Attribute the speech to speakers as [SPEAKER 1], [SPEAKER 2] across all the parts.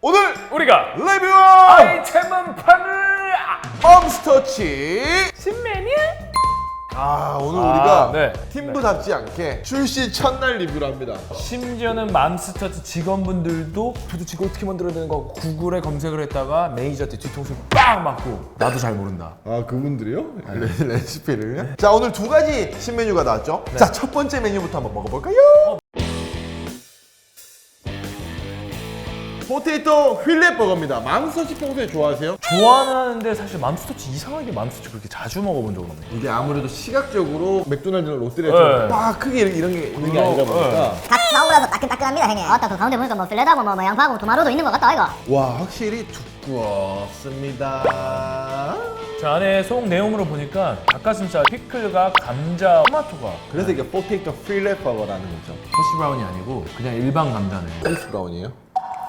[SPEAKER 1] 오늘
[SPEAKER 2] 우리가
[SPEAKER 1] 리뷰할
[SPEAKER 2] 아이템은 판을
[SPEAKER 1] 맘스터치
[SPEAKER 2] 신메뉴?
[SPEAKER 1] 오늘 우리가
[SPEAKER 2] 네.
[SPEAKER 1] 팀부답지 않게 출시 첫날 리뷰를 합니다.
[SPEAKER 2] 심지어는 맘스터치 직원분들도 도대체 이거 어떻게 만들어야 되는 거 구글에 검색을 했다가 매니저한테 뒤통수 빵 맞고 나도 잘 모른다.
[SPEAKER 1] 그분들이요? 레시피를요? 자, 오늘 두 가지 신메뉴가 나왔죠? 자, 첫 번째 메뉴부터 한번 먹어볼까요? 포테이토 휠렛 버거입니다. 맘스터치 평소에 좋아하세요?
[SPEAKER 2] 좋아는 하는데 사실 맘스터치 이상하게 맘스터치 그렇게 자주 먹어본 적은 없네.
[SPEAKER 1] 이게 아무래도 시각적으로 맥도날드나 롯데리아처럼
[SPEAKER 2] 네.
[SPEAKER 1] 막 크게 이런 게 있는 게 아니다 보니까
[SPEAKER 3] 갓 나오고 나서 따끈따끈합니다 형님. 아따 그 가운데 보니까 뭐 필레다고 뭐 양파하고 토마토도 있는 것 같다 이거.
[SPEAKER 1] 와, 확실히 두꺼웠습니다.
[SPEAKER 2] 저 안에 속 내용으로 보니까 닭가슴살, 피클과 감자, 토마토가
[SPEAKER 1] 그래서 이게 포테이토 휠렛 버거라는 거죠.
[SPEAKER 2] 허쉬 브라운이 아니고 그냥 일반 감자네.
[SPEAKER 1] 페이스 브라운이에요?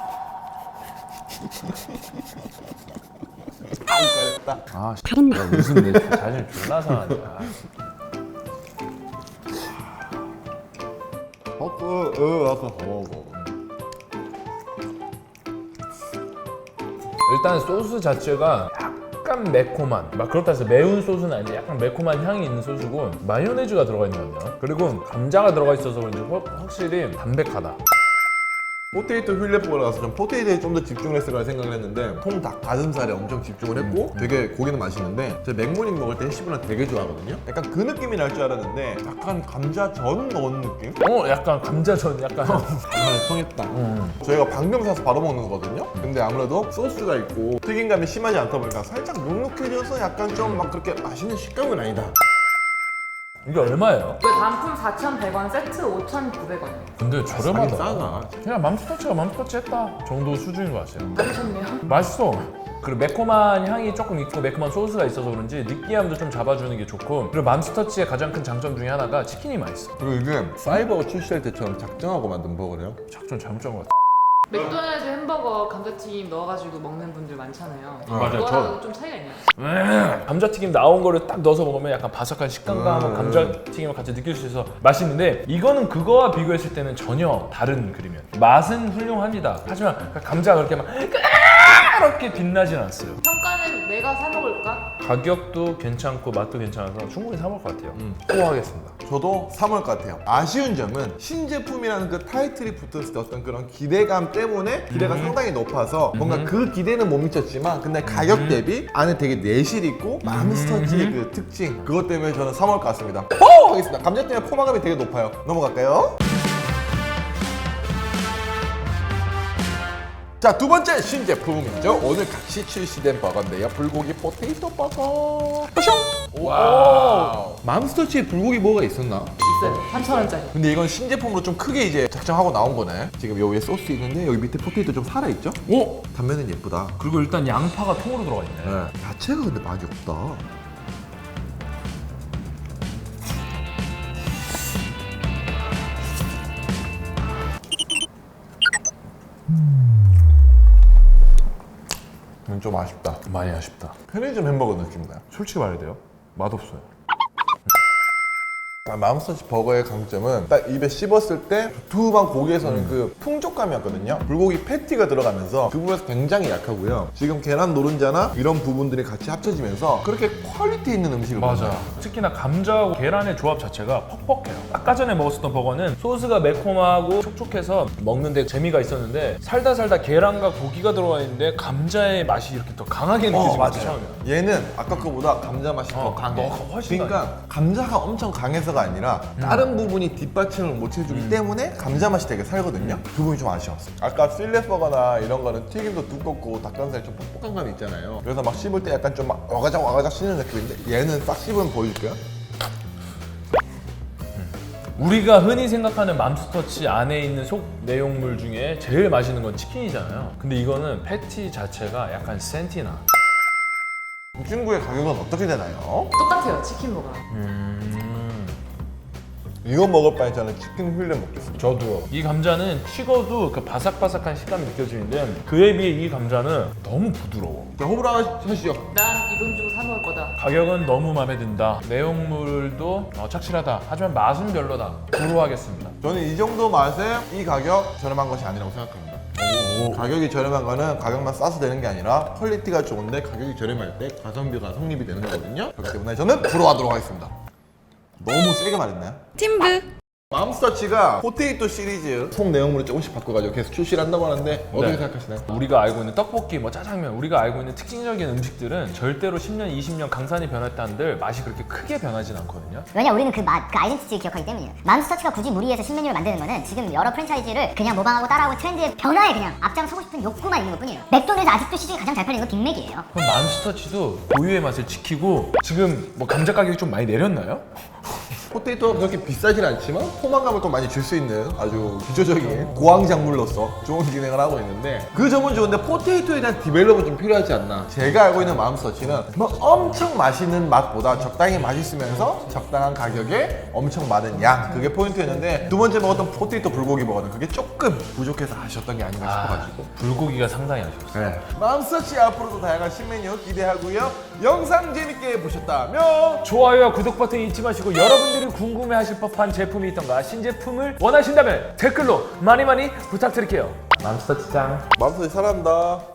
[SPEAKER 2] 아, 야, 무슨 내 자신을 졸라 상하냐.
[SPEAKER 1] 아까 먹어.
[SPEAKER 2] 일단 소스 자체가 약간 매콤한, 막 그렇다 해서 매운 소스는 아닌데 약간 매콤한 향이 있는 소스고 마요네즈가 들어가 있는 것 같네요. 그리고 감자가 들어가 있어서 그런지 확실히 담백하다.
[SPEAKER 1] 포테이토 휠렛 버거라서 좀 포테이토에 좀 더 집중을 했을 거라 생각을 했는데 통닭 가슴살에 엄청 집중을 했고 되게 고기는 맛있는데 제가 맥모닝 먹을 때 해시브랑 되게 좋아하거든요. 약간 그 느낌이 날 줄 알았는데 약간 감자전 넣은 느낌?
[SPEAKER 2] 약간 감자전 약간
[SPEAKER 1] 통했다. 저희가 방금 사서 바로 먹는 거거든요. 근데 아무래도 소스가 있고 튀김감이 심하지 않다 보니까 살짝 눅눅해져서 약간 좀 막 그렇게 맛있는 식감은 아니다.
[SPEAKER 2] 이게 얼마예요?
[SPEAKER 4] 이거 단품 4,100원, 세트 5,900원.
[SPEAKER 2] 근데
[SPEAKER 1] 싸긴
[SPEAKER 2] 저렴하다.
[SPEAKER 1] 싸다.
[SPEAKER 2] 그냥 맘스터치가 맘스터치 했다 정도 수준인 것 같아요.
[SPEAKER 4] 맛있네요.
[SPEAKER 2] 맛있어. 그리고 매콤한 향이 조금 있고 매콤한 소스가 있어서 그런지 느끼함도 좀 잡아주는 게 좋고, 그리고 맘스터치의 가장 큰 장점 중에 하나가 치킨이 맛있어.
[SPEAKER 1] 그리고 이게 사이버거 출시할 때처럼 작정하고 만든 버거래요.
[SPEAKER 2] 작전 잘못 잡은 것 같아.
[SPEAKER 4] 맥도날드 햄버거 감자튀김 넣어가지고 먹는 분들 많잖아요.
[SPEAKER 2] 맞아요.
[SPEAKER 4] 그거랑 좀 차이가 있나요?
[SPEAKER 2] 감자튀김 나온 거를 딱 넣어서 먹으면 약간 바삭한 식감과 감자튀김을 같이 느낄 수 있어서 맛있는데, 이거는 그거와 비교했을 때는 전혀 다른 그림이에요. 맛은 훌륭합니다. 하지만 감자가 그렇게 막 이렇게 빛나진 않았어요.
[SPEAKER 4] 평가는 내가 사 먹을까?
[SPEAKER 2] 가격도 괜찮고 맛도 괜찮아서 충분히 사 먹을 것 같아요. 소화하겠습니다.
[SPEAKER 1] 저도 3월 것 같아요. 아쉬운 점은 신제품이라는 그 타이틀이 붙었을 때 어떤 그런 기대감 때문에 기대가 상당히 높아서 뭔가 그 기대는 못 미쳤지만 근데 가격 대비 안에 되게 내실 있고 맘스터치의 그 특징, 그것 때문에 저는 3월 것 같습니다. 포! 하겠습니다. 감자튀김의 포만감이 되게 높아요. 넘어갈까요? 자, 두 번째 신제품이죠. 오늘 같이 출시된 버거인데요. 불고기 포테이토 버거. 와우. 맘스터치에 불고기 뭐가 있었나?
[SPEAKER 4] 있어요. 3,000원짜리.
[SPEAKER 1] 근데 이건 신제품으로 좀 크게 이제 작정하고 나온 거네. 지금 여기 위에 소스 있는데 여기 밑에 포테이토 좀 살아있죠?
[SPEAKER 2] 오!
[SPEAKER 1] 단면은 예쁘다.
[SPEAKER 2] 그리고 일단 양파가 통으로 들어가 있네.
[SPEAKER 1] 야채가 근데 많이 없다. 좀 아쉽다.
[SPEAKER 2] 많이 아쉽다.
[SPEAKER 1] 편의점 햄버거 느낌 나요.
[SPEAKER 2] 솔직히 말해야 돼요. 맛없어요.
[SPEAKER 1] 맘스터치 버거의 강점은 딱 입에 씹었을 때 두툼한 고기에서는 그 풍족감이었거든요. 불고기 패티가 들어가면서 그 부분에서 굉장히 약하고요. 지금 계란 노른자나 이런 부분들이 같이 합쳐지면서 그렇게 퀄리티 있는 음식을 먹어요.
[SPEAKER 2] 특히나 감자하고 계란의 조합 자체가 퍽퍽해요. 아까 전에 먹었었던 버거는 소스가 매콤하고 촉촉해서 먹는데 재미가 있었는데, 살다 계란과 고기가 들어가 있는데 감자의 맛이 이렇게 더 강하게 느껴지는 것 같아요.
[SPEAKER 1] 얘는 아까 거보다 감자 맛이 더 강해.
[SPEAKER 2] 훨씬
[SPEAKER 1] 그러니까 감자가 엄청 강해서가 아니라 다른 부분이 뒷받침을 못 해주기 때문에 감자 맛이 되게 살거든요. 그 부분이 좀 아쉬웠어요. 아까 필렛 버거나 이런 거는 튀김도 두껍고 닭가슴살이 좀 뻑뻑한 감이 있잖아요. 그래서 막 씹을 때 약간 좀 막 와가작 씹는 느낌인데 얘는 싹 씹으면 보여줄게요.
[SPEAKER 2] 우리가 흔히 생각하는 맘스터치 안에 있는 속 내용물 중에 제일 맛있는 건 치킨이잖아요. 근데 이거는 패티 자체가 약간 센티나.
[SPEAKER 1] 이 친구의 가격은 어떻게 되나요?
[SPEAKER 4] 똑같아요, 치킨버거랑.
[SPEAKER 1] 이거 먹을 바에 저는 치킨 휠렛 먹겠습니다.
[SPEAKER 2] 저도요. 이 감자는 식어도 그 바삭바삭한 식감이 느껴지는데 그에 비해 이 감자는 너무 부드러워.
[SPEAKER 1] 자, 호불호 하시죠.
[SPEAKER 4] 난 이 돈 주고 사 먹을 거다.
[SPEAKER 2] 가격은 너무 마음에 든다. 내용물도 착실하다. 하지만 맛은 별로다. 불호하겠습니다.
[SPEAKER 1] 저는 이 정도 맛에 이 가격 저렴한 것이 아니라고 생각합니다. 가격이 저렴한 거는 가격만 싸서 되는 게 아니라 퀄리티가 좋은데 가격이 저렴할 때 가성비가 성립이 되는 거거든요. 그렇기 때문에 저는 부러워하도록 하겠습니다. 너무 세게 말했나요?
[SPEAKER 4] 팀브.
[SPEAKER 1] 맘스터치가 포테이토 시리즈 속 내용물을 조금씩 바꿔가지고 계속 출시를 한다고 하는데 어떻게
[SPEAKER 2] 네.
[SPEAKER 1] 생각하시나요?
[SPEAKER 2] 우리가 알고 있는 떡볶이, 뭐 짜장면, 우리가 알고 있는 특징적인 음식들은 절대로 10년, 20년 강산이 변했다 한들 맛이 그렇게 크게 변하진 않거든요.
[SPEAKER 3] 왜냐 우리는 그 맛, 그 아이덴티티를 기억하기 때문이에요. 맘스터치가 굳이 무리해서 신메뉴를 만드는 거는 지금 여러 프랜차이즈를 그냥 모방하고 따라하고 트렌드의 변화에 그냥 앞장서고 싶은 욕구만 있는 것뿐이에요. 맥도날드 아직도 시중에 가장 잘 팔리는 건 빅맥이에요.
[SPEAKER 2] 그럼 맘스터치도 고유의 맛을 지키고 지금 뭐 감자 가격이 좀 많이 내렸나요?
[SPEAKER 1] 포테이토가 그렇게 비싸진 않지만 포만감을 또 많이 줄 수 있는 아주 기초적인 고황작물로서 좋은 기능을 하고 있는데 그 점은 좋은데 포테이토에 대한 디벨롭은 좀 필요하지 않나. 제가 알고 있는 맘스터치는 뭐 엄청 맛있는 맛보다 적당히 맛있으면서 적당한 가격에 엄청 많은 양, 그게 포인트였는데 두 번째 먹었던 포테이토 불고기 버거는 그게 조금 부족해서 아쉬웠던 게 아닌가 싶어가지고
[SPEAKER 2] 불고기가 상당히 아쉬웠어요.
[SPEAKER 1] 네. 맘스터치 앞으로도 다양한 신메뉴 기대하고요. 영상 재밌게 보셨다면
[SPEAKER 2] 좋아요와 구독 버튼 잊지 마시고 여러분들이 궁금해하실 법한 제품이 있던가 신제품을 원하신다면 댓글로 많이 부탁드릴게요. 맘스터치 짱.
[SPEAKER 1] 맘스터치 사랑한다.